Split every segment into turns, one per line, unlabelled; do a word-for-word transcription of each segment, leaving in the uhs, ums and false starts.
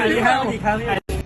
ดีครับสวัสดีครับ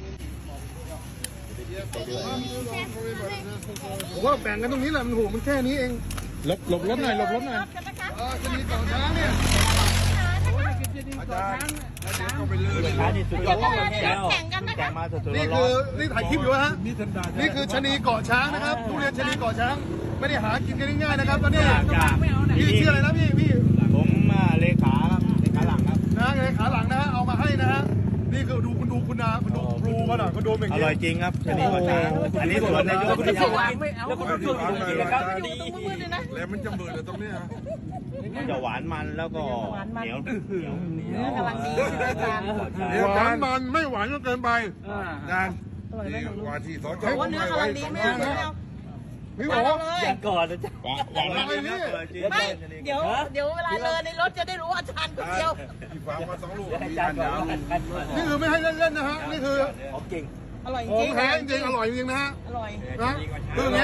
ผมว่าแบ่งกันตรงนี้แหละมันโหมันแค่นี้เองหลบหลบรถหน่อยหลบรถหน่อยเออจะมีเกาะช้างเนี่ยอาจารย์ก็ไปเลยช้างนี่สุดยอดแล้วแข่งมาสุดๆนี่คือนี่ถ่ายคลิปอยู่ฮะนี่คือชะนีเกาะช้างนะครับทุเรียนชะนีเกาะช้างไม่ได้หากินกันง่ายๆนะครับตอนนี้พี่ชื่ออะไรนะพี่พี่
ผมเลขาครับเลขาหลังครับ
นะเลขาหลังนะฮะเอามาให้นะฮะนี่คือดูคุณดูคุณนาคุณดูครูกันหน่อยคุณดูอย่างนี้
อร่อยจริงครับชะนีเกาะช้างอันนี้สวนนายกคุณจะหวานแล้วคุณดูดีครับดี
แล้วมันจะเบื่อเลยตรงนี้ฮะ
จะหวานมันแล้วก็เหนียวเหนียว
กำลังดี
หวานมันไม่หวานจนเกินไปนาน
นี่ว่าที่สอนเจ้าว่าเนื้อกำลังดีไม่เอาไม่เอา
พี่บอก
อย่างก่อนนะจ๊ะหวาน
ไม่เดี๋ยวเดี๋ยวเวลาเลยในรถจะได้รู้อาจารย์คนเดียว
พี่ฟังมาสองลูกมีอันยาวนี่คือไม่ให้เล่นๆนะฮะนี่คือ
ของจริง
อร่อยจริง
แท้จริงอร่อยจริงนะฮะ
อร่อย
นะคืออย่างนี้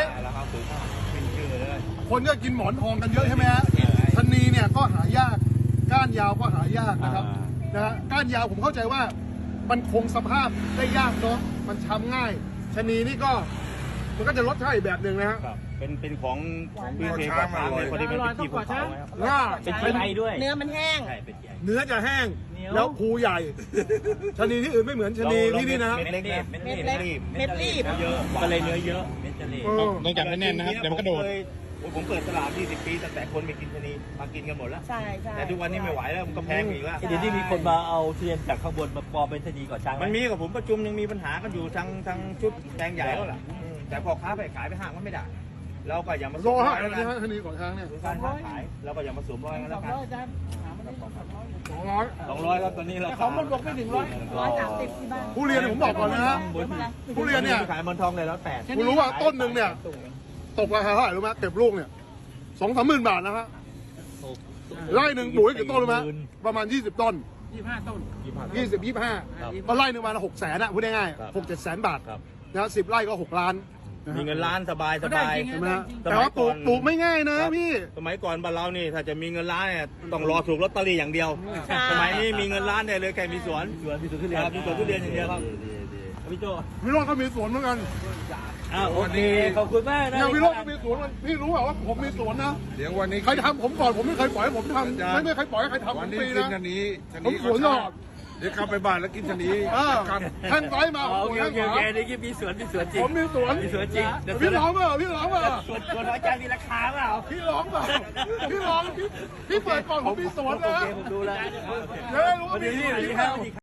คนก็กินหมอนทองกันเยอะใช่ไหมฮะชะนีเนี่ยก็หายากก้านยาวก็หายากนะครับนะฮะก้านยาวผมเข้าใจว่ามันคงสภาพได้ยากเนาะมันช้ำง่ายชะนีนี่ก็มันก็จะรสชาติแบบหนึ่งนะฮะ
เป็นเป็นของพื้นเพเกาะช้างเลยพอดีมันเป็นที่ภูเขา
ง่า
เป็นที่ไทยด้วย
เนื้อมันแห้ง
เนื้อจะแห้งแล้วภูใหญ่ชะนีที่อื่นไม่เหมือนชะนีที่นี่นะ
เม็ดเล็กเม็ดเล็ก
เม็ดรีบ
เยอะก็เลยเนื้อเยอะเม็ดจะเล็ก
ต้องจับให้แน่นนะครับเดี๋ยวมันกระโดด
ผมเปิดตลาดยี่สิบปีตั้งแต่คนไปกินชะนีมากินกันหมดแล้ว
ใช่ใช่
แต่ทุกวันนี้ไม่ไหวแล้วมันก็แพงอีกแล้ว
เดี๋ยวที่มีคนมาเอาทุเรียนจากข้างบนมาปลอมเป็นชะนีเกาะช้าง
มันมีกับผมประชุมยังมีปัญหากันอยู่ทางทางชุดแดงใหญ่แล้วล่ะแต่พอค้าไปขายไปห้างมันไม่ได้เราก็อย่ามา
โลห้าเลยนะชะนีเกาะช้างเนี่ย
การค้าขายเราก็อย่ามาสวมรอยกันแล้วกัน
สองร้อย
สองร้อยครับตอนนี้เรา
เขามันบอกไม่ถึงร้อยร้อยสามสิบที่บ้าน
ผู้เรียนผมบอกก่อนนะฮะผู้เรียนเนี่ย
ขายมันทองเลยแล้วแปด
คุณรู้ว่าต้นหนึ่งเนี่ยตกราคาเท่าไหร่รู้ไหมเก็บลูกเนี่ยสองสามหมื่นบาทนะฮะไร่หนึ่งปลูกกี่ต้นรู้ไหมประมาณยี่สิบต้น
ยี่สิบห้าต้น
ยี่สิบยี่สิบห้าก็ไร่หนึ่งประมาณหกแสนอะพูดง่ายๆหกเจ็ดแสนบาทนะสิบไร่ก็หกล้าน
มีเงินล้านสบายสบาย
ใช่ไหมแต่ว่าปลูกปลูกไม่ง่ายนะพี่
สมัยก่อนบ้านเรานี่ถ้าจะมีเงินล้านเนี่ยต้องรอถูกลอตเตอรี่อย่างเดียวสมัยนี้มีเงินล้านได้เลยแค่มีสวน
สวนมีสวนทุเรียน
มีสวนทุเรียนอย่างเดียวครับพี่โจ
พี่โรจน์ก็มีสวนเหมือนกัน
อ้าวโอเคขอบคุณมากนะ
พี่โรจน์ก็มีสวนพี่รู้เปล่าว่าผมมีสวนนะ
เดี๋ยววันนี้
ใครทำผมก่อนผมไม่เคยปล่อยให้ผมทำไม่ไม่เคยปล่อยให้ใครทำผมฟรีนะผมสวนยอด
เดี๋ยวกลับไปบ้านแล้วกินชะนี
แท่งซ้ายมา
โอเคโอเคโอเคนี่มีสวนมีสวนจริง
ผมมีสวน
มีสวนจริง
พี่ร้องเปล่าพี่ร้องเปล่า
สวนสวนอาจารย์มีราคาเปล่า
พี่ร้องเปล่าพี่ร้องพี่พี่เปิดก่อนผมมีสวนนะ
โอเคผมดูแล
เดี๋ยวรู้ว่ามีสวน